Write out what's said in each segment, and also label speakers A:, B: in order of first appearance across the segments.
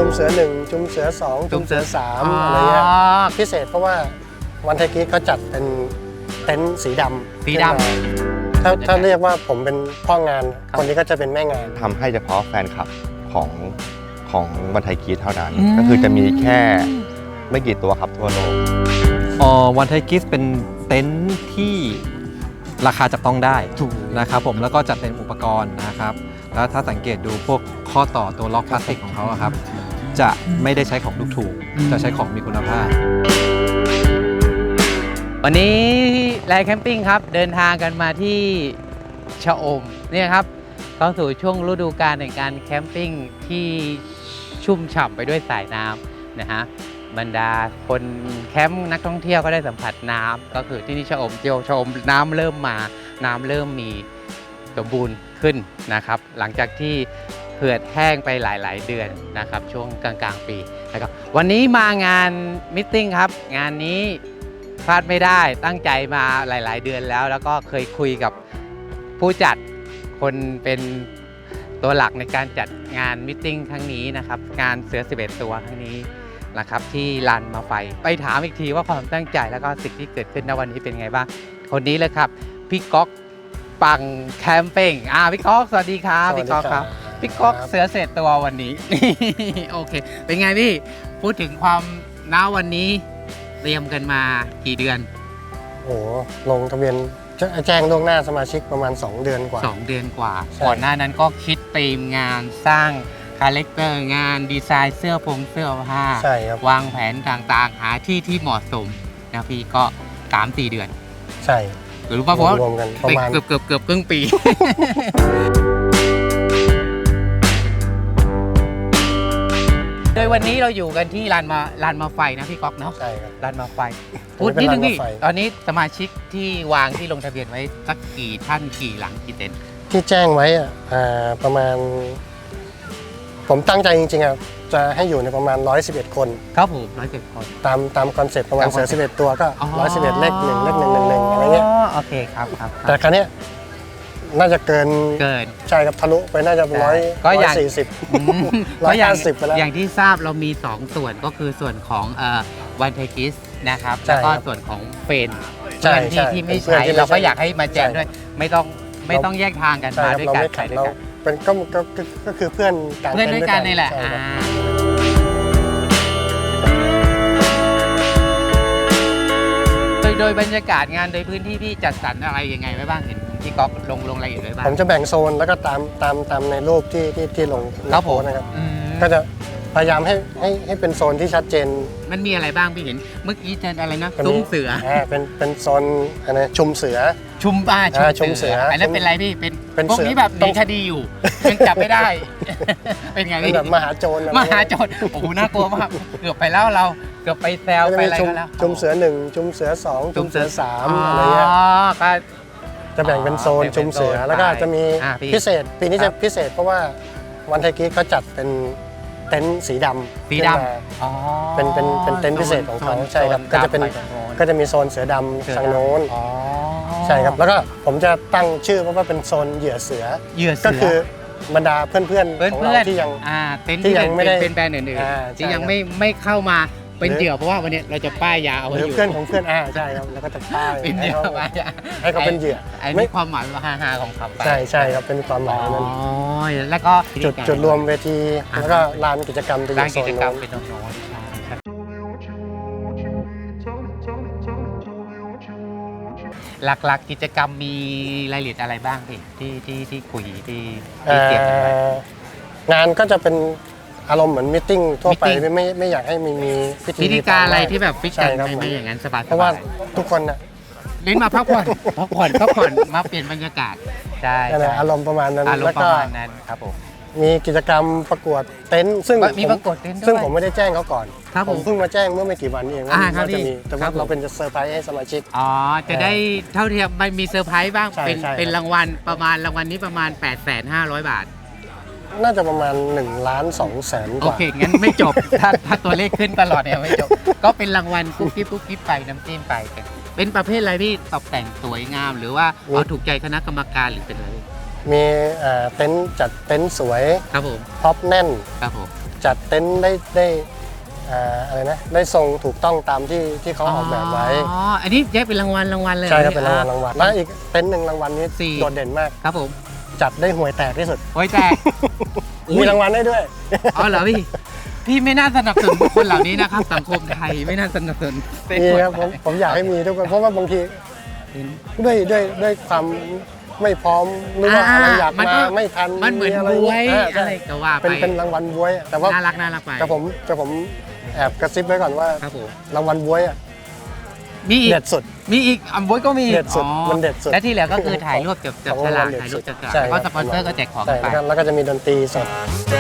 A: มเสือ1ชุมเสือ2ชุมเสือ3อะไรเงี้ยพิเศษเพราะว่าวันไทยกีเขาจัดเป็นเต็นท์สีดำถ้าเรียกว่าผมเป็นพ่องานคนนี้ก็จะเป็นแม่งาน
B: ทำให้เฉพาะแฟนคลับของวันไทยกีเท่านั้นก็คือจะมีแค่ไม่กี่ตัวครับทั่วโลก
C: วันไทยกีเป็นเต็นท์ที่ราคาจับต้องได้นะครับผมแล้วก็จัดเป็นอุปกรณ์นะครับแล้วถ้าสังเกตดูพวกข้อต่อตัวล็อกพลาสติกของเขาครับจะไม่ได้ใช้ของถูกๆจะใช้ของมีคุณภาพ
D: วันนี้แลแคมปิ้งครับเดินทางกันมาที่ชะอมเนี่ยครับเข้าสู่ช่วงฤดูกาลในการแคมปิ้งที่ชุ่มฉ่ำไปด้วยสายน้ำนะฮะบรรดาคนแคมป์นักท่องเที่ยวก็ได้สัมผัสน้ำก็คือที่นี่ชะอมน้ำเริ่มมาน้ำเริ่มมีสมบูรณ์ขึ้นนะครับหลังจากที่เหือดแห้งไปหลายๆเดือนนะครับช่วงกลางๆปีนะครับวันนี้มางานมิทติ้งครับงานนี้พลาดไม่ได้ตั้งใจมาหลายๆเดือนแล้วก็เคยคุยกับผู้จัดคนเป็นตัวหลักในการจัดงานมิทติ้งครั้งนี้นะครับงานเสือ11ตัวครั้งนี้นะครับที่ลานมาไฟไปถามอีกทีว่าความตั้งใจแล้วก็สิ่งที่เกิดขึ้นณวันนี้เป็นไงบ้างคนนี้เลยครับพี่ก๊อกปังแคมปิ้งพี่ก๊อกสวัสดีครับพี่ก๊อกครับพี่ก๊อกเสือ11ตัววันนี้ โอเคเป็นไงพี่พูดถึงความณวันนี้เตรียมกันมากี่เดือน
A: โอ้ลงทะเบียนแจ้งล่วงหน้าสมาชิกประมาณ2 เดือนกว่า
D: 2 เดือนกว่าก่อนหน้านั้นก็คิดธีมงานสร้างคาแรคเตอร์งานดีไซน์เสื้อผ้า
A: ใช่ครับ
D: วางแผนต่างๆหาที่เหมาะสมนะพี่ก็ 3-4 เดือน
A: ใช่
D: หรือว่าผม
A: รวมกันประมาณ
D: เกือบครึ่งปี โดยวันนี้เราอยู่กันที่ลานมาไฟนะพี่ก๊อกเนาะ
A: ใช่ครับ
D: ลานมาไฟพูดนิดนึงพี่ตอนนี้สมาชิกที่วางที่ลงทะเบียนไว้สักกี่ท่านกี่หลังกี่เต็นท์
A: ที่แจ้งไว้ประมาณผมตั้งใจจริงๆจะให้อยู่ในประมาณ111 คน
D: ครับผม111 คน
A: ตามคอนเซ็ปต์ประมาณเสือ11 ตัวก็111เลข1เลข111อะไรเงี้ย
D: โอเคครับ
A: แต่ครั้งนี้น่าจะเกินใช่ครับทะลุไปน่าจะ140 150ไปแล้ว
D: อย่างที่ทราบเรามี2ส่วนก็คือส่วนของวันไทกิสนะครับแล้วก็ส่วนของเฟนที่ไม่ใช้เราก็อยากให้มาแจกด้วยไม่ต้องแยกทางกันมาด้วยกันไปด้วยกัน
A: เป็นก็คือเพื่อน
D: ด้วยกันนี่แหละโดยบรรยากาศงานโดยพื้นที่พี่จัดสรรอะไรยังไงไว้บ้างเห็นพี่ก๊อกลงรายละเอียดไว้บ้าง
A: ผมจะแบ่งโซนแล้วก็ตามในรูปที่ลงโพสนะครับก็จะพยายามให้เป็นโซนที่ชัดเจน
D: มันมีอะไรบ้างพี่เห็นเมื่อกี้เจออะไรนะซุ้มเสือ
A: เป็นโซนอะไรชุมเสือ
D: ชุมเสืออันนั้นเป็นอะไรพี่เป็นพวกนี้แบบหนีคดีอยู่ยังจับไม่ได้เป็นไงพี่
A: แบบมหาโจร
D: โอ้โหน่ากลัวมากเกือบไปแล้วเราเกือบไปแซวไปอะไรกันแล้ว
A: ชุมเสือ1ชุมเสือ2ชุมเสือ3อะไรเงี้ย
D: ก็
A: จะแบ่งเป็นโซนชุมเสือแล้วก็จะมีพิเศษปีนี้จะพิเศษเพราะว่าวันไทยกีเขาจัดเป็นเต็นท์สีดำเป็นเต็นท์พิเศษของเขาใช่ครับก็จะมีโซนเสือดำทางโน้นใช่ครับแล้วก็ผมจะตั้งชื่อเพราะว่าเป็นโซนเหยื่อเสือก็คือบรรดาเพื่อนของเราที่ยัง
D: ไม่ได้เป็นแบรนด์อื่นๆที่ยังไม่เข้ามาเป็นเหยื่อเพราะว่าวันนี้เราจะป้ายยาเอาไว้อยู่
A: เพื่อนของเพื่อนใช่ครับแล้วก็จะป้าย
D: เป็นเหยื่อ
A: ให้เขาเป็นเหยื่อ
D: ไม่ความหมายว่าฮาของเขา
A: ใช่ครับเป็นความหมายนั้น
D: แล้วก็
A: จุดรวมเวทีแล้วก็ลานกิจกรรมเป็นโซนโน้น
D: หลักๆกิจกรรมมีรายละเอียดอะไรบ้างที่คุยที่เกี่ยวกัน
A: งานก็จะเป็นอารมณ์เหมือนมิทติ้งทั่วไปไม่อยากให้มี
D: พิธีการอะไรที่แบบฟิกกันไม่อย่างนั้นสบาย
A: เพราะว่าทุกคนน่ะ
D: เล่นมาพักผ่อนมาเปลี่ยนบรรยากาศใช่
A: อารมณ์ประมาณนั้น
D: แล้วก็ครับผม
A: มีกิจกรรมประกวดเต็นท์ซึ่ง
D: มีประกวดเต็นท์
A: ซึ่งผมไม่ได้แจ้งเขาก่อนผมเพิ่งมาแจ้งเมื่อไม่กี่วันเองว่าจะมีแต่ว่าเราเป็นเซอร์ไพรส์ให้สมาชิก
D: จะได้เท่าที่มันมีเซอร์ไพรส์บ้างเป็นรางวัลรางวัลนี้ประมาณ 850,000 บาท
A: น่าจะประมาณ1,200,000 กว่า
D: โอเคงั้นไม่จบถ้าตัวเลขขึ้นตลอดเนี่ยไม่จบก็เป็นรางวัลกุ๊กกิ๊บไปน้ำจิ้มไปเป็นประเภทอะไรที่ตกแต่งสวยงามหรือว่าเอาถูกใจคณะกรรมการหรือเป็นอะไร
A: มีเต็นท์จัดเต็นท์สวย
D: ครับผม
A: ท็อปแน่น
D: ครับผม
A: จัดเต็นท์ได้อะไรนะได้ทรงถูกต้องตามที่เขาออกแบบไว้
D: อ๋ออันนี้แยกเป็นรางวัลเลย
A: ใช่ครับเป็นรางวัลแล้วอีกเต็นท์หนึ่งรางวัลนี้
D: สี่
A: โดดเด่นมาก
D: ครับผม
A: จัดได้ห่วยแตกที่สุด
D: โอ้ยแต่
A: มีรางวัลได้ด้วย
D: อ๋อเหรอพี่ไม่น่าสนับสนุนบุคคลเหล่านี้นะครับ สังคมไทยไม่น่าสนับสนุน
A: มีครับผมอยากให้มีทุกคนเพราะว่าบางทีด้วยความไม่พร้อมหรือว่าอะไรอยากมาไม่ทัน
D: มันเหมือน
A: อะไร
D: บวย
A: ใช่
D: อะไรก็ว่าไป
A: เป็นรางวัลบวยแต่ว่า
D: น่ารักไป
A: แต่ผมแอบกระซิบไว้ก่อนว่า
D: ครับผม
A: รางวัลบวยอะ
D: มีอีก
A: เด็ดสุด
D: อัมบวยก็มี
A: เด็ดสุด
D: อ๋อ
A: มันเด็ดสุด
D: และที่เหลือก็คือถ่ายรูปจับ
A: ของ
D: ฉลาก
A: รางวัลเด็ด
D: ถ่ายรูปจับฉลาก
A: ใช่
D: แล้วก็
A: ครั
D: ส
A: บ
D: ปอนเซอร์ก็แจกของ
A: ใช่
D: ไป
A: แล้วก็จะมีดนตรีสด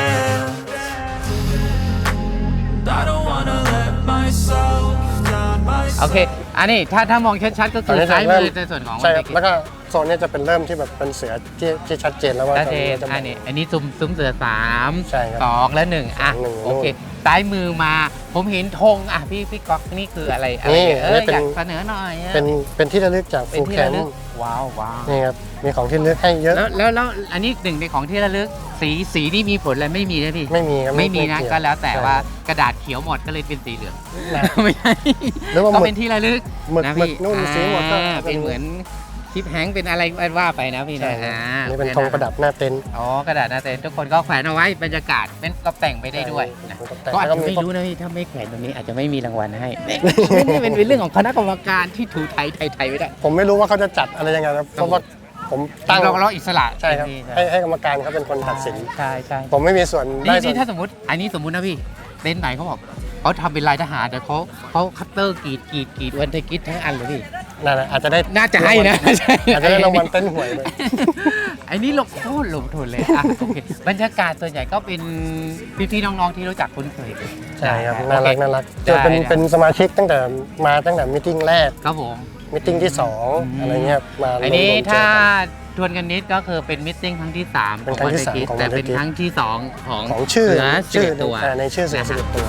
D: โอเค อันนี้ถ้ามองชัดๆก็คือซ้ายมือในส่วนของ
A: ใช่ครับแล้วก็โซนนี้จะเป็นเริ่มที่แบบเป็นเสือที่ชัดเจนแล้วว่า
D: ชัดเจน
A: จะ
D: อันนี้ซุ้มเสือ3
A: ใช่ครับ
D: 2และ1อ่ะ
A: หนึ่ง
D: โอเคซ้ายมือมาผมเห็นธงอ่ะพี่ก๊อกนี่คืออะไร
A: นี่
D: อยาก
A: เป็น
D: เสนอหน่อยอะ
A: เป็นที่ระลึกจาก
D: เป็น
A: ฟู
D: ที่
A: แค
D: ระ
A: ม
D: ลึก
A: ป์
D: ว้าว
A: นี่ครับมีของที่ระลึกให้เยอะ
D: แล้วอันนี้หนึ่งในของที่ระลึกสีนี่มีผลอะไรไม่มีนะพี่
A: ไม่มีครับ
D: ไม่มีนะ
A: เย
D: ก็แล้วแต่
A: ใช่
D: ว่ากระดาษเขียวหมดก็เลยเป็นสีเหลือง
A: นะ
D: ไม่ใช่
A: หรือว่า
D: ก็
A: หมึ
D: เป็
A: ก
D: นที่ระลึก
A: หมึก
D: นะ
A: หมึ
D: พี่
A: กนู่นสีหมดก็
D: เป็นเหมือนคลิปแฮงก์เป็นอะไรว่าไปนะพี่
A: ใช่
D: นะ
A: ครับนี่เป็นธงประดับหน้าเต็นท์
D: อ๋อกระดาษหน้าเต็นท์ทุกคนก็แขวนเอาไว้บรรยากาศเป็นก็แต่งไปได้ด้วยนะ
A: แต่
D: ก็อาจ
A: ก็
D: จะ
A: มี
D: ไม่รู้นะพี่ถ้าไม่แขวนตรงนี้อาจจะไม่มีรางวัลให้ นี่เป็นเรื่องของคณะกรรมการที่ถูไทยไม่ได้
A: ผมไม่รู้ว่าเขาจะจัดอะไรยังไงนะเพราะว่าผมตั้ง
D: เราอิสระ
A: ใช่ครับ ให้กรรมการเขาเป็นคนตัดสิน
D: ใช่
A: ผมไม่มีส่วนได้ส่ว
D: นี่
A: น
D: ถ้าสมมติอันนี้สมมุตินะพี่เต็นท์ไหนเขาบอกเขาทำเป็นลายทหารแต่เขาคัตเตอร์กรีดวันไทยกิจทั้งอันเลยพี่
A: นั่นแหละอาจจะได้
D: น่าจะให้นะ
A: อาจจะได้รางวัลเต้นหวยเลย
D: ไอ้นี่ลงโคตรลงทุนเลยอ่ะโอเคบรรยากาศส่วนใหญ่ก็เป็นพี่ๆน้องๆที่รู้จักคุ้นเคย
A: ใช่ครับ
D: โอ
A: น่า
D: เค
A: รักน่ารัก
D: ได้
A: จะเป็น
D: ได้
A: เป็นสมาชิกตั้งแต่มิ팅แรก
D: ครับผม
A: มิ팅ที่ 2 อะไรเงี้ยมา
D: อันนี้
A: รวมๆเจอ
D: ถ้า
A: กัน
D: ทวนกันนิดก็คือเป็นมิทติ้งครั้งที่3
A: เป็นครั้งที่สามของ
D: แต่เป็น
A: Monday
D: ครั้งที่2ของ
A: ของชื่อ
D: เสือ11ตัว
A: ในชื่อเสือ
D: นะฮะ
A: 11ตัว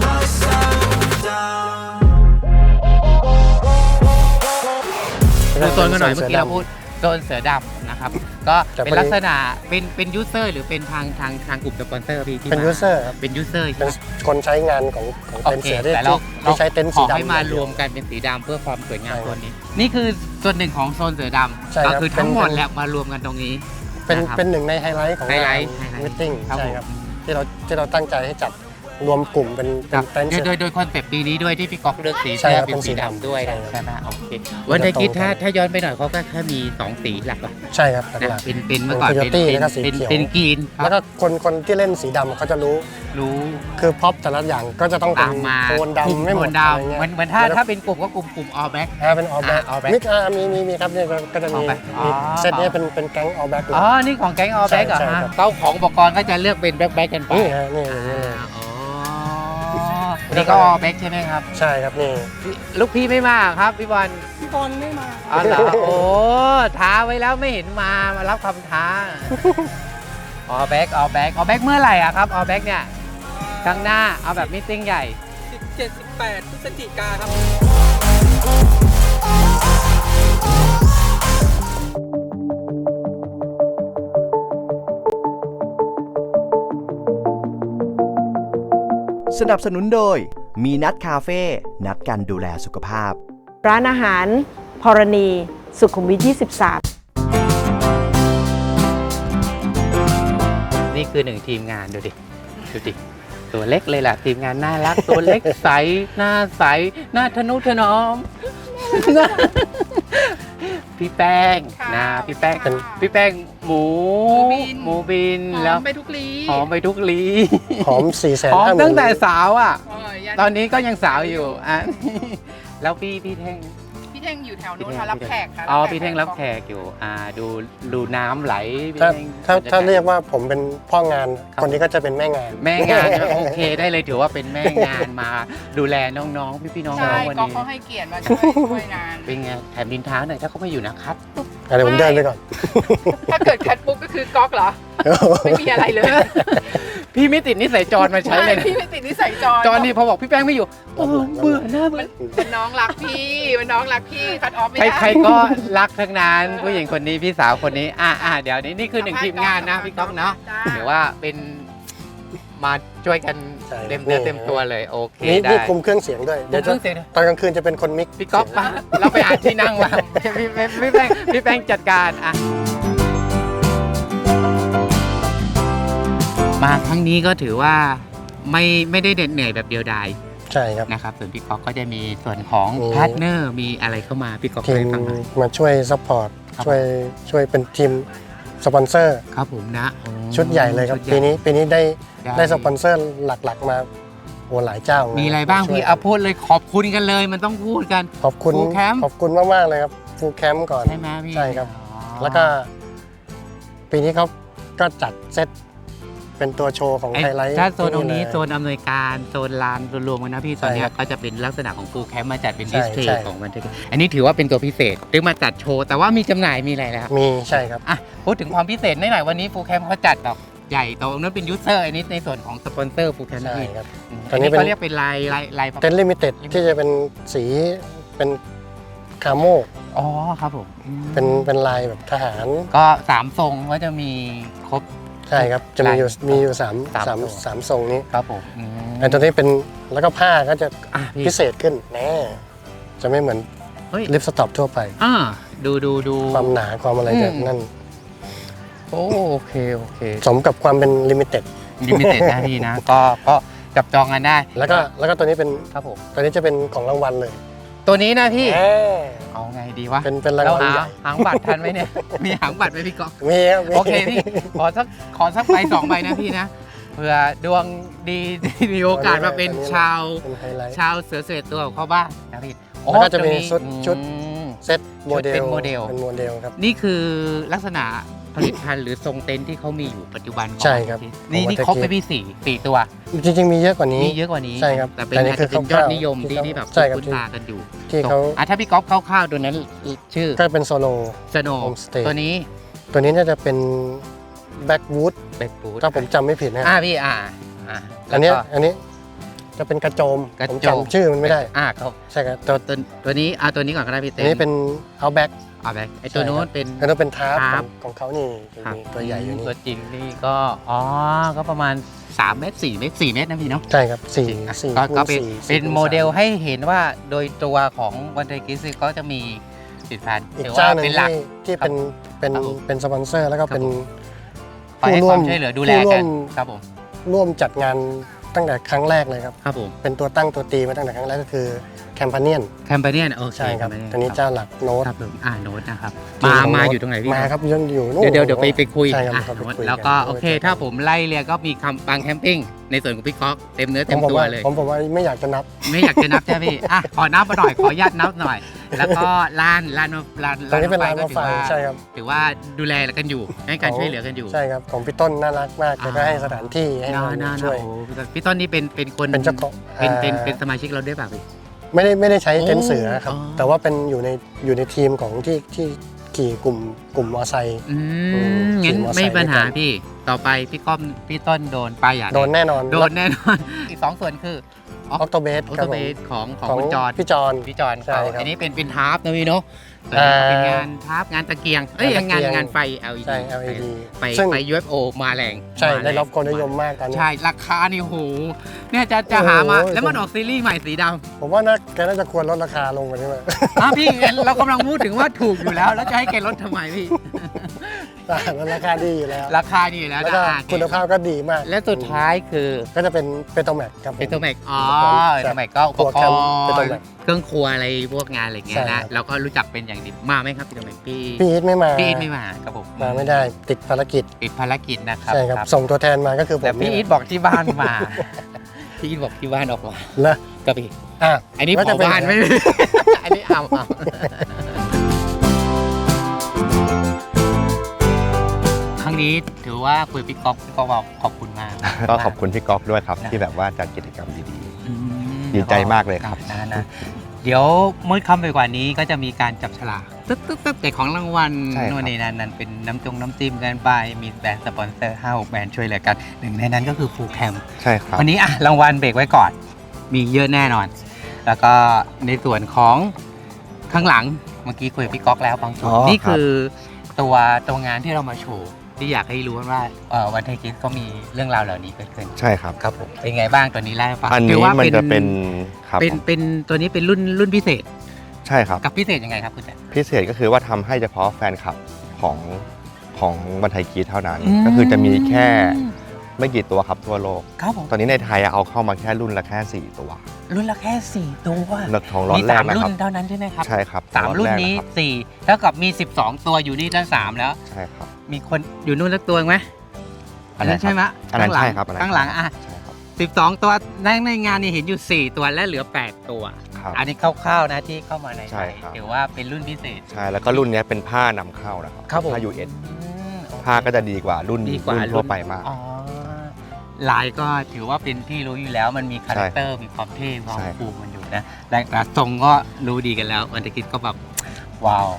D: ดูโซนกันหน่อยเมื่อกี้เราพูดโซนเสือดำนะครับ ก็เป็นลักษณะเป็นยูเซอร์หรือเป็นทางกลุ่มสปอนเซอร์พี่ที่
A: เป็น
D: มา
A: ยูเซอร์ครับ
D: เป็นยูเซอร์
A: เป็นคนใช้งานของ
D: โอ
A: เต็นท์
D: เค
A: เสือที่
D: แต่เรา
A: ที่ใช้เต็นท์
D: ข
A: สี
D: อ
A: ดำ
D: ให้มารวมกันเป็นสีดำเพื่อความสวยงาม
A: ใช่ครับ
D: ตัวนี้ นี่คือส่วนหนึ่งของโซนเสือด
A: ใช่
D: ำ
A: ครั
D: ก็
A: บ
D: คือทั้งหมด
A: เป็น
D: แหละมารวมกันตรงนี้
A: เป็น
D: นะครับ
A: เป็นหนึ่งในไฮไลท์ของ
D: ไฮไล
A: งาน
D: ท์ไฮไลท์
A: มิ팅
D: ครับ
A: ใช่
D: ผม
A: ครับที่เราตั้งใจให้จัดรวมกลุ่มเป็นเต็นท์เสือ
D: โดยคอนเซปต์ปีนี้ด้วยที่พี่ก๊อกเลือกสี
A: ใช่
D: เสื้อ
A: ครับ
D: เป็นสี
A: เป็นสี
D: ดำ
A: ดำ
D: ด้วย
A: ใช่
D: ใช่ไหมโอเควันไทยกิจถ้าย้อนไปหน่อยเขาก็แค่มี2สีหลักๆ
A: ใช่ครับห
D: นะ
A: ลัก
D: เป็นเมื่อก่อน
A: เป็น
D: เป็น
A: Coyote แล้วก็สีเขียว
D: เป็นกรีน
A: ๆแล้วก็คนที่เล่นสีดำเขาจะรู้
D: รู้
A: คือพ็อปแต่ละอย่างก็จะต้องเป็
D: ตาน มมา
A: โทนดำไม่หม
D: โท
A: ด
D: น
A: อะไร
D: ดำ
A: เงี้ย
D: เหมือนถ้าเป็นกลุ่มก็กลุ่มออแบ็ก
A: เป็นออแบ็ก
D: All Black
A: มิกมีครับเนี่ยก็จะมี
D: All Black อ๋อ
A: เซตเนี้เป็นแก๊งออแบ็กเลย
D: อ๋อ นี่ของแก๊งออแบ็กเหรอ
A: ใช่
D: ฮะ
A: ครับ
D: เจ้าของอุปกรณ์ก็จะเลือกเป็นแบ็กกันไป
A: นี่ฮะนี่อย่างนี้เลย
D: อ๋อนี่ก็ออแบ็กใช่ไหมครับ
A: ใช่ครับนี่
D: ลูกพี่ไม่มาครับพี่บอล
A: พี่บอลไม่มา
D: อ๋อเหรอโอ้ท้าไว้แล้วไม่เห็นมารับคำท้าออแบ็กเมื่อไหร่อะครับออแบ็กเนี่ยครั้งหน้าเอาแบบมิทติ้งใหญ่
E: 17-18 พฤศจิกาครับ
F: สนับสนุนโดยมีนัดคาเฟ่นัดกันดูแลสุขภาพ
G: ร้านอาหารพรณี สุขุมวิท 23
D: นี่คือหนึ่งทีมงานดูดิตัวเล็กเลยล่ะทีมงานน่ารัก ตัวเล็กใสหน้าใสหน้าทะนุถนอม พี่แป้งนะพี่แป้งหมูบิน
E: หอ
D: แล้ว
E: มไปทุกลี
D: หอมไปทุกลี
A: หอม
D: หอม
A: 450,000
D: ตั้งแต่สาวอ่ะ
E: ยัน
D: ตอนนี้ก็ยังสาวอยู่อ่ะ แล้วพี่เท่ง
E: พี่เท่งอยู่แถวนู้นค่ะรับแขกค่ะ
D: อ๋อพี่เท่งรับแขกอยู่ดูน้ำไหลพี่
A: ถ้า
D: เท่ง
A: ถ้าเรียกว่าผมเป็นพ่องาน
D: ครับ
A: คนนี้ก็จะเป็นแม่งาน
D: แม่งาน โอเคได้เลยถือว่าเป็นแม่งานมาดูแลน้องๆพี่ๆน้อง
E: ใช่
D: ๆวัน
E: ก็
D: นี้
E: เขาให้เกียรติมาช่วยงาน
D: เป็นไงแถมดินท้าหน่อยถ้าเขาไม่อยู่นะครับ
A: อะไรผมเดินไปก่อน
E: ถ้าเกิดคัดปุ๊บก็คือก๊อกเหรอ ไม่มีอะไรเลย
D: พี่ไม่ติดนิสัยจรมาใช้เลยนะ
E: พี่ไม่ติดนิสัยจร
D: จรนี่พอบอกพี่แป้งไม่อยู่โอ้เบื่อหน้าเบื่อ
E: เป็นน้องรักพี่เป็นน้องรักพี่คัดออฟไม่
D: ใคร
E: ได้
D: ใครก็รักทั้งนั้นผู้หญิงคนนี้พี่สาวคนนี้เดี๋ยวนี้นี่คือหนึ่งทีมงานนะพี่ก๊อกเนาะ
E: จ้า
D: หรือว่าเป็นมาช่วยกัน
A: ใช่
D: เต็มตัวเลยโอเค
A: นี่
D: ได้
A: นี่คุมเครื่องเสียงด้วย เดี๋ยว
D: คุมเครื่องเสียงด้วย
A: ตอนกลางคืนจะเป็นคนมิกซ์
D: พี่ก๊อฟมาเราไปหาที่นั่งมาพี่แป้งจัดการอ่ะมาครั้งนี้ก็ถือว่าไม่ได้เหนื่อยแบบเดียวดาย
A: ใช่ครับ
D: นะครับส่วนพี่ก๊อฟก็จะมีส่วนของ
A: มี
D: พาร์ทเนอร์มีอะไรเข้ามาพี่ก๊อฟ
A: ที
D: เคย
A: ม
D: ฟังไหม
A: มาช่วยซัพพอร์ต
D: ครับ
A: ช่วยเป็นทีมสปอนเซอร์
D: ครับผมนะ
A: ชุดใหญ่เลยครับ
D: ชุดใหญ่
A: ปีนี้ได้สปอนเซอร์หลักๆมาโอ้หลายเจ้า
D: มี
A: มี
D: อะไรบ้างพี่เอาพูดเลยขอบคุณกันเลยมันต้องพูดกัน
A: ขอบคุณ
D: Full Camp
A: ขอบคุณมากๆเลยครับฟูลแคมป์ก่อน
D: ใช่ไหมพี่
A: ใช่ครับ
D: อ๋อ
A: แล้วก็ปีนี้เขาก็จัดเซตเป็นตัวโชว์ของ
D: ไอ้
A: ไฮไลท์
D: ถ้าโซนตรงนี้
A: เลย
D: โซนอำนวยการโซนลานรวมๆกันนะพี่ตอนเนี้
A: ใช่
D: ย
A: ครับ
D: ก็จะเป็นลักษณะของฟูลแคมป์มาจัดเป็น
A: ใช่
D: ดิสเพล
A: ใช่
D: ย์ของมันอันนี้ถือว่าเป็นตัวพิเศษหรือมาจัดโชว์แต่ว่ามีจำหน่ายมีอะไรแล้ว
A: มีใช่ครับ
D: อ่ะพูดถึงความพิเศษหน่อยวันนี้ฟูลแคมป์เขาจัดแบบใหญ่โตนั้นเป็นยูเซอร์อันนี้ในส่วนของสปอนเซอร์ฟูลแคมป์นะ
A: ใช่
D: พี่
A: ครับ ต
D: อั
A: อน
D: น
A: นี้
D: นี้
A: เป็น
D: เขาเรียกเป็นลาย
A: เต็นท์ลิมิเต็ดที่จะเป็นสีเป็นคาโม
D: อ๋อครับผม
A: เป็นลายแบบทหาร
D: ก็3ทรงก็จะมีครบ
A: ใช่ครับ จะมีอยู่สาม
D: สาม
A: สามทรงนี้
D: ครับผมอืม
A: ไอ้ตัวนี้เป็นแล้วก็ผ้าก็จะ
D: อ่ะพี่
A: พิเศษขึ้นแน่จะไม่เหมือน
D: เฮ้ย
A: ลิปสต็อปทั่วไป
D: ดู
A: ความหนาความอะไรจะ
D: อืม
A: นั่น
D: โอเค
A: สมกับความเป็นลิมิเต็ด
D: ลิมิเต็ดนะพี่นะ ก็จับจองกันได้
A: แล้วก็ตัวนี้เป็น
D: ครับผม
A: ตัวนี้จะเป็นของรางวัลเลย
D: ตัวนี้นะพี่
A: แหม
D: เอาไงดีวะ
A: เป็นราง
D: เรา
A: วัล
D: หา
A: ใหญ่
D: หางบัตรทันไหมเนี่ย มีหางบัตรไหมพี่ก๊อฟ
A: มีครับมี
D: โอเคพี่ ขอสักใบ2ใบนะพี่นะ เผื่อดวงดี มีโอกาสมาเป็นชาว
A: เป็นไฮไลท์
D: ชาวเสือเสด็จตัวของเขาบ้างนะพี่
A: แล้วก็จะมี
D: ตัวนี้
A: ชุด
D: อืม
A: เซตโมเดล
D: เป็นโมเดล
A: เป็นโมเดลครับ
D: นี่คือลักษณะผลิตภัณฑ์หรือทรงเต็นท์ที่เขามีอยู่ปัจจุบันของ
A: ใช่ครับ
D: นี่
A: ของ
D: นี่ครบไป
A: Watergate
D: พี่สี่ตัว
A: จริงๆมีเยอะกว่านี้
D: มีเยอะกว่านี้
A: ใช่ครับ
D: แต่เป็น
A: แต่นี่
D: อาจจะเป็น
A: คือย
D: อด
A: คร่าวๆ
D: นิยม
A: ที่
D: ที่แบบ
A: ใช่ครับ
D: คุ้นตากันอยู่
A: ที่เขา
D: ถ้าพี่ก๊อฟคร่าวๆตัวนั้นชื่อ
A: ก็เป็นโซโล
D: สโน
A: Homestay
D: ตัวนี้
A: ตัวนี้น่าจะเป็นแบ็กวูด
D: เบกบูด
A: ถ้าผมจำไม่ผิดนะ
D: พี่
A: อันนี้
D: แล้วก็
A: จะเป็นกระโจม
D: กระ
A: ผม
D: โจม
A: จำชื่อมันไม่ได้
D: ครับ
A: ใช่ครับ
D: ตัวนี้ตัวนี้ก่อนก็ได้พี่
A: อั
D: เต้
A: นนี้เป็นเอาแบ็ก
D: แบกไอตัวนู้นเป็น
A: แล้วก็เป็นทาร์
D: ทาร์
A: ป
D: ป
A: ของเขานี่
D: ครับ
A: มีตัวใหญ่อยู่นี่
D: ตัวจริงนี่ก็ก็ประมาณ3 เมตร 4 เมตร 4 เมตรนะพี่เนาะ
A: ใช่ครับสี่
D: จริงอ่ะ
A: สี่
D: ก็
A: คูณ
D: เป็น
A: สี่
D: เป็น
A: คูณ
D: โมเดล
A: สา
D: ให้เห็นว่าโดยตัวของวันเทกิสก็จะมีผลิตภัณฑ์
A: อีก
D: ถือ
A: เจ้า
D: ว่า
A: หนึ่ง
D: เป็นหลัก
A: ที่เป็น
D: ครับผม
A: เป็นสปอนเซอร์แล้วก็เป็น
D: คอยให้ความช่วยเหลือดูแล
A: ผู้ร่
D: กั
A: วน ม
D: ครับผม
A: ร่วมจัดงานตั้งแต่ครั้งแรกเลยครับ
D: ครับผม
A: เป็นตัวตั้งตัวตีมาตั้งแต่ครั้งแรกก็คือแคมเปเนียน
D: แคมเปญเนี่ยโอเค
A: ใช่ครับ
D: Campanian
A: ตัวนี้เจ้าหลักโน้ต
D: ครับผมโน้ตนะครับ
A: ที่ของ
D: มา
A: โน้ต
D: อยู่ตรงไหนพี่
A: มาครับยังอยู่นู่น
D: เดี๋ยวไปคุย
A: ใช่ครับ
D: อ่ะ
A: เราไปคุย
D: แล้วก็
A: กัน
D: โอเค ถ้าผมไล่เรียงก็มีคำปังแคมปิ้งในส่วนของพี่คอกเต็มเนื้อเต็มตัวเลย
A: ผมว่าไม่อยากจะนับ
D: ไม่อยากจะนับใช่ไหมพี่ขอนับมาหน่อยขออนุญาตนับหน่อย แล้วก็ลาน
A: ตรงนี้เป็นร้าน
D: ก็
A: รถไฟใช่ครับ
D: ถือว่าดูแลกันอยู่ให้การช่วยเหลือกันอยู่
A: ใช่ครับของพี่ต้นน่ารักมากแกก็ให้สถานที่ให้เรา
D: น่า
A: ช่วย
D: โอ้พี่ต้นนี่เป็นคน
A: เป็นเจ้าของ
D: เป็นสมาชิกเราด้วยป่ะพี่
A: ไม่ได้ใช้เต็นท์
D: โอ้
A: เสือครับ
D: อ๋อ
A: แต่ว่าเป็นอยู่ในทีมของที่ขี่กลุ่มมอไซค์
D: งั้น
A: ขี่มอเตอร์ไซค์
D: ไม่มีปัญหา
A: ด้วยกัน
D: พี่ต่อไปพี่ต้นโดนไปอย่าง
A: โดนแน่นอน
D: โดนแน่นอน อีก 2 ส่วนคือ
A: ออกโตเบส
D: ออ
A: ครั
D: โต
A: บผ
D: เบ
A: ม
D: สของ
A: ของ
D: คุณจอน
A: พี่จอน
D: พี่จอน
A: ใช่
D: เขา
A: ครับ
D: อันนี้เป็นทาร์ปนะพี่เนาะตัวนี้ก็เป็นงานทาร์ปงานตะเกียงงานไฟ LED
A: ใช่ LED
D: ไป
A: ซึ่ง
D: ไป UFO มาแรง
A: ใช่
D: มาแรง
A: ได้รับความนิยมมากตอนนี้
D: ใช่ ราคานี่โหเนี่ยจะหามา
A: โอ้โห
D: แล้วมันออกซีรีส์ใหม่สีดำ
A: ผมว่าแกน่าจะควรลดราคาลงกว่านี้ มั้ย
D: พี่เรากำลังพูดถึงว่าถูกอยู่แล้ว แล้วจะให้แกลดทำไมพี่
A: แล้วราคาดีอยู่แล้ว
D: ราคานี่อยู่แล้ว
A: แล้ว
D: นะ
A: ก็
D: อ่ะ
A: คุณภาพก็ดีมาก
D: และสุดท้ายคือ
A: ก็จะเป็นเปโตรแมกครับผม
D: เป็นตัวแม็ก
A: ใช่
D: ตัวแม็กก็อุปก
A: ครัว
D: ร
A: แคมป์เป็นตัว
D: ณ์
A: แม็ก
D: เครื่องครัวอะไรพวกงานอะไรเงี้ย
A: ใช่ครั
D: นะ
A: บ
D: เราก็รู้จักเป็นอย่างดีมาไหมครับพี่ตัวแม็กพี่
A: พี่อีทไม่มา
D: พี่อีทไม่มาครับผม
A: มาไม่ได้ติดภารกิจ
D: ติดภารกิจนะครับ
A: ใช่ครับส่งตัวแทนมาก็คือผม
D: แต่พี่อีทบอกที่บ้านมา พี่อีทบอกที่บ้านออกมา
A: นะ
D: กับพี่
A: อ่ะ
D: อันนี้
A: แล้ว
D: ข
A: จะ
D: อ
A: เป็น
D: บ้านไม่ อันนี้เอาครั้งนี้ถือว่าคุยพี่ก๊อฟบอกขอบคุณมาก
B: ก็ขอบคุณพี่ก๊อฟด้วยครับ
D: นะ
B: ที่แบบว่าจัดกิจกรรมดี
D: อืม
B: ดีใจมากเลยครับ
D: นะเดี๋ยวมืดค่ำไปกว่านี้ก็จะมีการจับฉลากตึ๊บแต่ของรางวัล
B: ใช่ครับ
D: โน่นนี่นั่นเป็นน้ำจิ้มกันไปมีแบรนด์สปอนเซอร์5-6 แบรนด์ช่วยเหลือกันหนึ่งในนั้นก็คือฟูลแคม
B: ๆ ใช่ครับ
D: วันนี้รางวัลเบรกไว้ก่อน มีเยอะแน่นอน แล้วก็ในส่วนของข้างหลังเมื่อกี้คุยกับพี่ก๊อกแล้วบางส่วน
B: อ๋อ
D: นี่คือตัวงานที่เรามาโชว์ที่อยากให้รู้ว่าวันไทยกิสก็มีเรื่องราวเหล่านี้เกิดขึ้น
B: ใช่ครับ
D: ครับผมเป็นไงบ้างตัวนี้เล่าให้ฟัง
B: อัน
D: ถื
B: นี้
D: ว่า
B: มันจะเป็นครับ
D: เป็นตัวนี้เป็นรุ่นพิเศษ
B: ใช่ครับ
D: กับพิเศษยังไงครับคุณแจ๊
B: พิเศษก็คือว่าทำให้เฉพาะแฟนคลับของวันไทยกีเท่านั้น
D: อืม
B: ก็คือจะมีแค่ไม่กี่ตัวครับทั่วโลก
D: ครับผม
B: ตอนนี้ในไทยเอาเข้ามาแค่รุ่นละแค่4ตัว
D: รุ่นละแค่4ตัว
B: เลือกทองร้อน
D: มี
B: แรก
D: 3
B: นะ
D: รุ่
B: ครับ
D: นเท่านั้นใช่ไหมครับ
B: ใช่ครับ
D: 3 รุ่นนี้
B: ล็อตแรกะครับ
D: 4เท่ากับมี 12 ตัวอยู่นี่ตั้ง3แล้ว
B: ใช่ครับ
D: มีคนอยู่นู่นสักตัวไหม
B: อันนั้น
D: ใช่ไหม
B: อันนั้นใช่ครับอันนั้น
D: ข้างหลังอ่ะ
B: ใช่ครับ
D: 12 ตัวในงานนี่เห็นอยู่ 4 ตัวและเหลือ 8 ตัว
B: ครับ
D: อันนี้คร่าวๆนะที่เข้ามาใน
B: ใช่ครับ
D: ถือว่าเป็นรุ่นพิเศษ
B: ใช่แล้วก็รุ่นนี้เป็นผ้านำเข้านะครับ
D: ครับผม
B: ผ้า US
D: โอเค
B: ผ้าก็จะดีกว่ารุ่น
D: ดีกว่า
B: รุ่นทั่วไปมาก
D: อ๋อลายก็ถือว่าเป็นที่รู้อยู่แล้วมันมีคาแรคเตอร์มีความเท่ความ
B: ใช่
D: คูลมันอยู่นะและทรงก็รู้ดีกันแล้ววันตะกิดก็แบบว้าว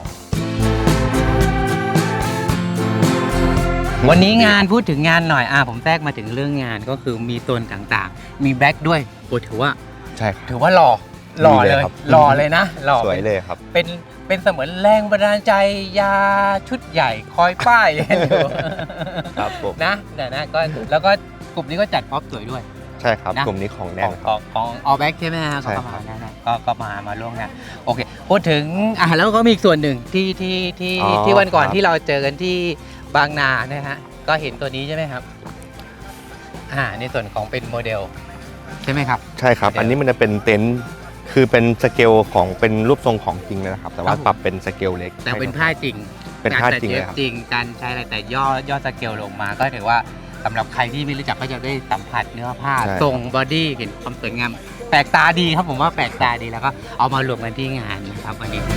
D: วันนี้งานพูดถึงงานหน่อยผมแทรกมาถึงเรื่องงานก็คือมีโซนต่างๆ มีแบ็คด้วยโอ้ถือว่า
B: ใช่ครับ
D: ถือว่าหล่อเลย
B: ดีเลยครับ
D: หล่อเลยนะหล่อ
B: สวยเลยครับ
D: เป็นเสมือนแรงบันดาลใจยาชุดใหญ่คอยป้ายอยู่
B: ครับผม
D: นะก็แล้วก็กลุ่มนี้ก็จัดพ็อปสวยด้วย
B: ใช่ครับ
D: นะ
B: กลุ่มนี้ของ
D: ข
B: แน่
D: อน ง
B: ค
D: ข
B: รั
D: อบ งของออแบ็กใช่ไหมฮะ
B: ใช่
D: ก็
B: ครับ
D: มานะก็มาร่วมงานโอเคพูดถึงแล้วก็มีอีกส่วนหนึ่งที่วันก่อนที่เราเจอกันที่บางนานะฮะก็เห็นตัวนี้ใช่ไหมครับในส่วนของเป็นโมเดลใช่ไหมครับ
B: ใช่ครับ อันนี้มันจะเป็นเต็นท์คือเป็นสเกลของเป็นรูปทรงของจริงเลยนะครับ แต่ว่า
D: ครับผม
B: ปรับเป็นสเกลเล็ก
D: แต่เป็นผ้าจริง
B: เป็นผ้าจริง
D: ก
B: เลยครับ
D: จริงการใช้อะไรแต่ย่อสเกลลงมาก็ถือว่าสำหรับใครที่ไม่รู้จักก็จะได้สัมผัสเนื้อผ้า
B: ใช่
D: ทรงบอดี้เห็นความสวยงามแปลกตาดีครับผมว่าแปลกตาดีแล้วก็เอามารวมกันที่งานนะครับวันนี้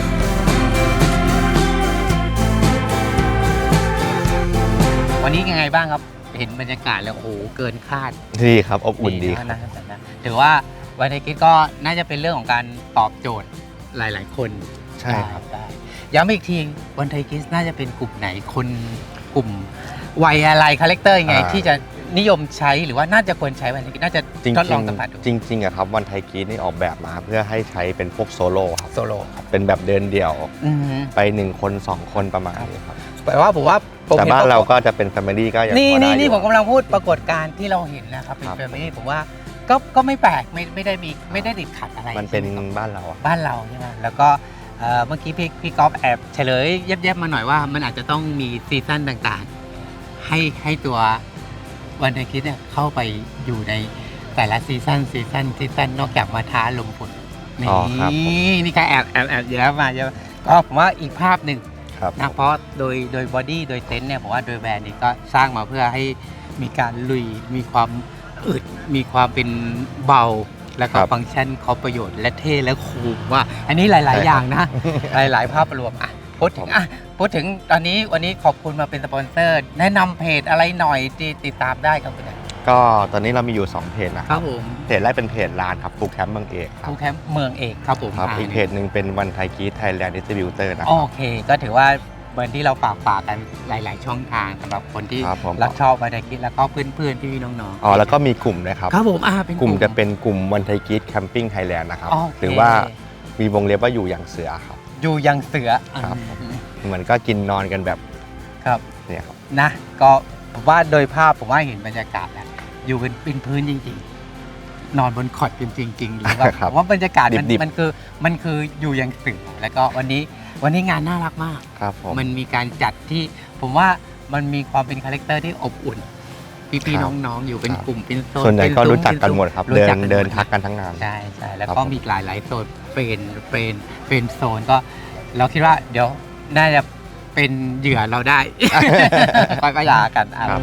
D: ยังไงบ้างครับเห็นบรรยากาศแล้วโอ้โหเกินคาด
B: ดีครับอบอุ่นดีครับ
D: นะถือว่าวันนี้ก็น่าจะเป็นเรื่องของการตอบโจทย์หลายๆคน
B: ใช่ครับ
D: ได้ย้ำอีกทีวันไทยกิสน่าจะเป็นกลุ่มไหนคนกลุ่มวัยอะไรคาแรคเตอร์ยังไงที่จะนิยมใช้หรือว่าน่าจะควรใช้วันไทยกิสน่าจะ
B: จริง
D: ทดลองสัมผัสดู
B: ๆจริงๆอะครับวันไทยกีนี่ออกแบบมาเพื่อให้ใช้เป็นพวกโซโล่ครับ
D: โซโล่ครับ
B: เป็นแบบเดินเดี่ยว
D: อือฮึ
B: ไป1คน2คนประมาณนี้ครับ
D: แต่ว่าผม
B: แต่
D: เห็น
B: บ้าน
D: ปะ
B: เราก็จะเป็นแฟมิลี่ก็ยัง
D: นี่
B: พอได้อยู่
D: ผมกำลังพูดปรากฏการณ์ที่เราเห็นนะครับเป็น
B: ครับ
D: แฟมิลี่ผมว่าก็ไม่แปลกไม่ได้ติดขัดอะไร
B: มันเป็น
D: ใช่ไหครับ
B: บ้านเราอะ
D: บ้านเราใช่ไหมแล้วก็เมื่อกี้พี่ก๊อฟแอบเฉลยแยบๆมาหน่อยว่ามันอาจจะต้องมีซีซั่นต่างๆ ให้ตัววันไทยคิดเนี่ยเข้าไปอยู่ในแต่ละซีซั่นนอกจากมาท้าลมฝนนี่
B: อ๋อครับผม
D: นี่ก็แอบเยอะมาเยอะก็ผมว่าอีกภาพหนึ่ง
B: ครับ
D: นะเพราะโดยบอดี้โดยเต็นท์เนี่ยผมว่าโดยแบรนด์นี้ก็สร้างมาเพื่อให้มีการลุยมีความอึดมีความเป็นเบา แล้วก็
B: ครับ
D: ฟังก์ชันครบประโยชน์และเท่และคูลว่า อันนี้หลาย ๆ อย่างนะ หลาย ๆ ภาพรวมพูดถึงตอนนี้วันนี้ขอบคุณมาเป็นสปอนเซอร์ แนะนำเพจอะไรหน่อยที่ติดตามได้ครับคุณ
B: ก็ตอนนี้เรามีอยู่2เพจนะค
D: ครั
B: รั
D: บบ ผม
B: เพจแรกเป็นเพจร้านครับฟูแคมป์เมืองเอกครับ
D: ทูแคมป์เมืองเอกครับผม
B: ครับอีกเพจหนึ่งเป็นวันไทยกีไทยแลนด์ดิสติบิวเตอร์นะค
D: โอ
B: รับ
D: เค ก็ถือว่าเหมือนที่เราฝากกันหลาย ๆ ช่องทางสำหรับคนที่
B: ครับผม
D: รักชอบวันไทยคิดแล้วก็เพื่อน ๆ พี่ ๆ น้อง
B: อ๋อแล้วก็มีกลุ่มนะครับ
D: ครับผมเป็น
B: กลุ่มจะเป็นกลุ่มวันไทยกีแคมปิ้งไทยแลนด์นะครับ
D: โอเค
B: หรือว่ามีวงเล็บว่าอยู่อย่างเสือครับ
D: อยู่ยังเสือ
B: ครับ เหมือนก็กินนอนกันแบบ
D: ครับ
B: เนี่ยครับ
D: นะก็ผมว่าโดยภาพผมว่าเห็นบรรยากาศแล้วอยู่เป็นพื้นจริงๆ นอนบนคอร์ดจริงๆหรือว่า
B: ครับ
D: ผมว่าบรรยากาศมัน
B: ดิบๆ
D: มันคืออยู่ยังเสือแล้วก็วันนี้งานน่ารักมาก
B: ครับผม
D: มันมีการจัดที่ผมว่ามันมีความเป็นคาแรคเตอร์ที่อบอุ่น พี่
B: ครับ
D: ๆน้องๆอยู่เป็นกลุ่มเป็นโซน
B: ส่วนใหญ่ก็
D: เป็
B: รู้จักกัน
D: ซุ้
B: หมดครับ
D: รู้จักกั
B: เดินทักกันทั้งงาน
D: ใช่แล้ว
B: ครับ
D: ก็
B: ผม
D: มีหลายๆโซนเป็นโซนก็เราคิดว่าเดี๋ยวน่าจะเป็นเหยื่อเรา ได้ ค่อยๆยากัน
B: ครับ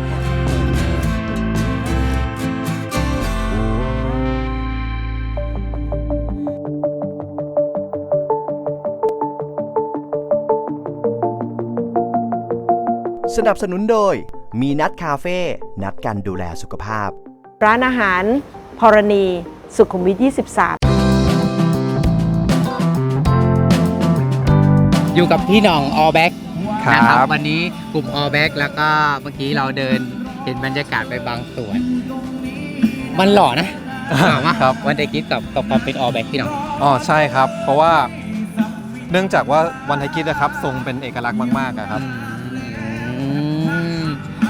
F: สนับสนุนโดย มีนัดคาเฟ่ นัดกันดูแลสุขภาพ
G: ร้านอาหารพรณี สุขุมวิท 23
D: อยู่กับพี่หน่องออแบ็ก
C: ครับ
D: นะครับวันนี้กลุ่มออแบ็กแล้วก็เมื่อกี้เราเดินเห็นบรรยากาศไปบางส่วน มันหล่อนะหล่อมาก
C: ครับ
D: วันเดกิสกับความเป็นออแบ็กพี่หน่อง
C: อ๋อใช่ครับ เพราะว่าเนื่องจากว่าวันไทยกิสนะครับทรงเป็นเอกลักษณ์มากๆอะครับ
D: อืม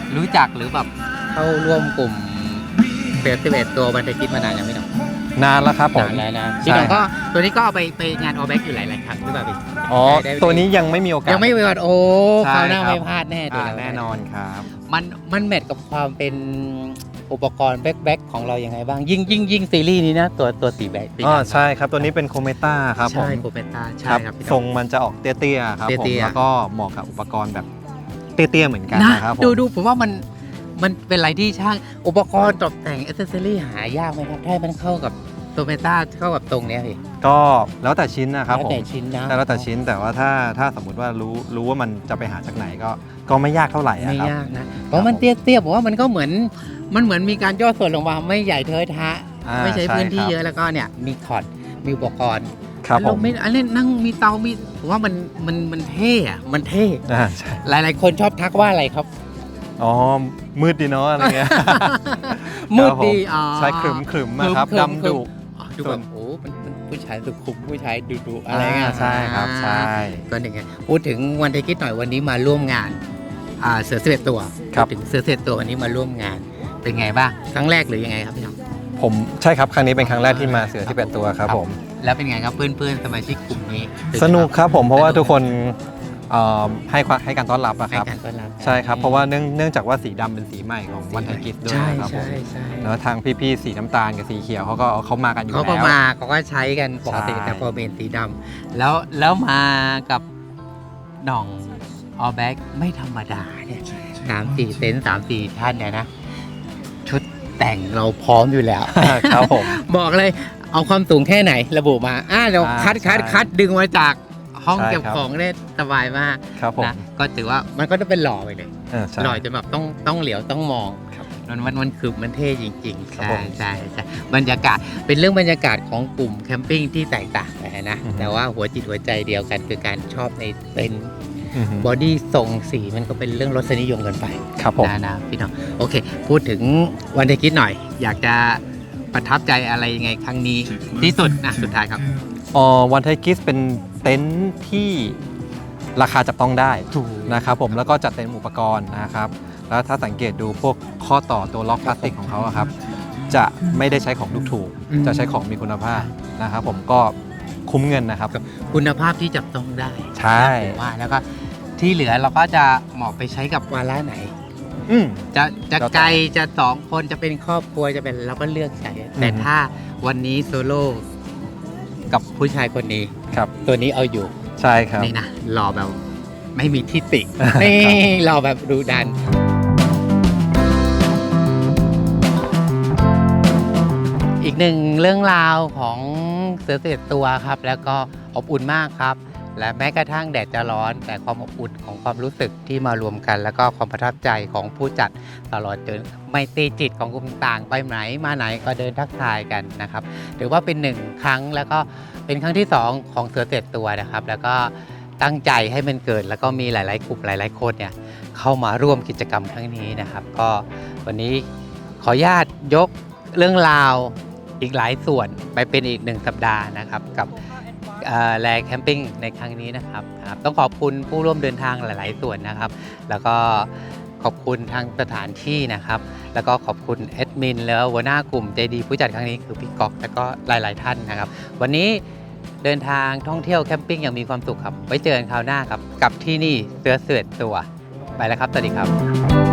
D: รู้จักหรือแบบเข้าร่วมกลุ่มเสือ11ตัววันไทยกิจมานานยังพี่หน้อง
C: นานแล้วครับผม
D: นานแล้วนะพี่หน้องก็ตัวนี้ก็เอาไปงานออแบ็กอยู่หลายๆครั้งหรือเปล่าพี่
C: อ๋อ
D: ได้
C: ตัวนี้ยังไม่มีโอกาส
D: ยังไม่มีวันโอ้
C: ใช่
D: คราวหน้า
C: ครับ
D: ไม่พลาดแน่ตัวนี้
C: แน่นอนครับ
D: มันแมทกับความเป็นอุปกรณ์แบ็คของเรายังไงบ้างยิ่งซีรีส์นี้นะตัวสีแบ็ค
C: อ๋อใช่ครับตัวนี้เป็นโคเมต้าครับผม
D: ใช่โคเปต้าใช่
C: ครับ
D: ครับพี่
C: ท
D: น้
C: ร
D: อง
C: งมันจะออกเตี้ยๆครับผม
D: เตี้ยๆ
C: แล้วก็เหมาะกับอุปกรณ์แบบเตี้ยๆเหมือนกัน
D: นะ
C: นะครับผม
D: ดูผมว่ามันเป็นอะไรที่ช่างอุปกรณ์ตกแต่งอิเซอรี่หายากไหมครับให้มันเข้ากับโคเปต้าเข้ากับตรงเนี้ยพี่
C: ก็แล้วแต่ชิ้นนะครับ
D: แล้ว
C: ผม
D: แต่ชิ้นนะ
C: แล้วแต่ชิ้นแต่ว่าถ้าสมมุติว่ารู้ว่ามันจะไปหาจากไหนก็ไม่ยากเท่าไหร่อะ
D: ไม่
C: ครับ
D: ยากนะเพราะมันเตี้ยๆผมว่ามันก็เหมือนมีการย่อส่วนลงมาไม่ใหญ่เทอะทะ
C: อ่า
D: ไม่ใช้พื้นที่
C: ใช่ครับ
D: เยอะแล้วก็เนี่ยมีถอดมีอุปกรณ์
C: ครับผม
D: ไม่อันนี้นั่งมีเตามีผมว่ามันเท่อะมันเท่
C: ใช่
D: หลายๆคนชอบทักว่าอะไรครับ
C: อ๋อมืดดีเนาะอะไรเงี้ย
D: มืดดี
C: ครับผม
D: อ๋อ
C: ใช่ขรึมนะครับ
D: ขรึม
C: ดำดุ
D: อ๋อดูแบบโอ้มันผู้ชายสุขุมผู้ชายดุๆอะไรเงี้ย
C: ใช่ครับใช่
D: ก็อย่างเงี้ยพูดถึงวันไทยกิจหน่อยวันนี้มาร่วมงานเสือ11ตัว
C: ครับ
D: พูดถึงเสือ11ตัววันนี้มาร่วมงานเป็นไงบ้างครั้งแรกหรือยังไงครับพี่น้อง
C: ผมใช่ครับครั้งนี้เป็นครั้งแรกที่มาเสือที่เป็นตัวครับผม
D: แล้วเป็นไงครับเพื่อนๆสมาชิกกลุ่มนี้
C: สนุกครับผมเพราะว่าทุกคนให้การต้อนรับอะค
D: ให้
C: รับ
D: การต้อนรับ
C: ใช่ครับเพราะว่าเนื่องจากว่าสีดำเป็นสีใหม่ของวันไทยกิจด้วย
D: ใช่
C: ครับผม
D: ใช่
C: แล้วทางพี่ๆสีน้ำตาลกับสีเขียวเขามากันอยู่
D: เขา
C: แล้ว
D: ก็มาเขาก็ใช้กันปกติ
C: ใช่
D: แต่พอเป็นสีดำแล้วมากับหน่องออแบ็กไม่ธรรมดาเนี่ย3-4เต็นท์3-4ท่านเนี่ยนะ ชุดแต่งเราพร้อมอยู่แล้ว
C: ครับผม
D: บอกเลยเอาความสูงแค่ไหนระบุมาเดี๋ยว
C: ใช่
D: คัดดึงมาจากห้อง
C: ใช่
D: เก็บ
C: ครับ
D: ของได้สบายมาก
C: ครับผม
D: นะก็ถือว่ามันก็จะเป็นหล่อไปเลย
C: ใช่
D: หล่อจนแบบต้องเหลียวต้องมอง
C: ครับ
D: มันคือมันเท่จริงๆ
C: ครับ
D: ใช่
C: ผม
D: ใช่ใช่บรรยากาศเป็นเรื่องบรรยากาศของกลุ่มแคมปิ้งที่แตกต่างไปนะ
C: อือฮึ
D: แต่ว่าหัวจิตหัวใจเดียวกันคือการชอบในเต็นท์
C: อือฮึ
D: บอดี้ทรงสีมันก็เป็นเรื่องรสนิยมกันไป
C: ครับผม
D: นะพี่น้องโอเค พูดถึงวันไทยกิจหน่อย อยากจะประทับใจอะไรยังไงครั้งนี้ที่สุดนะสุดท้ายครับ
C: วันไทยกิสเป็นเต็นท์ที่ราคาจับต้องได้
D: ถูก
C: นะครับผมแล้วก็จัดเต็มอุปกรณ์นะครับแล้วถ้าสังเกตดูพวกข้อต่อตัวล็อกพลาสติกของเขาอะครับจะไม่ได้ใช้ของถูก
D: อืม
C: ๆจะใช้ของมีคุณภาพนะครับผมก็คุ้มเงินนะครับ
D: คุณภาพที่จับต้องได้
C: ใช่
D: ผมว่าแล้วก็ที่เหลือเราก็จะเหมาะไปใช้กับวาระไหน
C: อืม
D: จะ
C: แล้วแต่
D: ไกลจะ2 คนจะเป็นครอบครัวจะเป็นเราก็เลือกใช้แต่
C: อืม
D: ถ้าวันนี้โซโล่กับผู้ชายคนนี้
C: ครับ
D: ตัวนี้เอาอยู่
C: ใช่ครับ
D: นี่นะหล่อแบบไม่มีที่ติ นี่หล่อแบบดูดัน อีกหนึ่งเรื่องราวของเสือ11ตัวครับ แล้วก็อบอุ่นมากครับ และแม้กระทั่งแดดจะร้อนแต่ความอบอุ่นของความรู้สึกที่มารวมกัน แล้วก็ความประทับใจของผู้จัดตลอดจนไมตรีจิตของกลุ่มต่างไปไหนมาไหนก็เดินทักทายกันนะครับถือว่าเป็น1 ครั้งแล้วก็เป็นครั้งที่ 2 ของเสือ11ตัวนะครับ แล้วก็ตั้งใจให้มันเกิดแล้วก็มีหลายๆกลุ่มหลายๆคนเนี่ยเข้ามาร่วมกิจกรรมครั้งนี้นะครับ ก็วันนี้ขออนุญาตยกเรื่องราวอีกหลายส่วนไปเป็นอีก1 สัปดาห์นะครับกับแลแคมปิ้งในครั้งนี้นะครับต้องขอบคุณผู้ร่วมเดินทางหลาย ๆ ส่วนนะครับ แล้วก็ขอบคุณทางสถานที่นะครับ แล้วก็ขอบคุณแอดมินแล้วหัวหน้ากลุ่มใจดีผู้จัดครั้งนี้คือพี่ก๊อกแล้วก็หลาย ๆ ท่านนะครับ วันนี้เดินทางท่องเที่ยวแคมปิ้งอย่างมีความสุขครับไว้เจอกันคราวหน้าครับกับที่นี่เสือ11ตัวไปแล้วครับสวัสดีครับ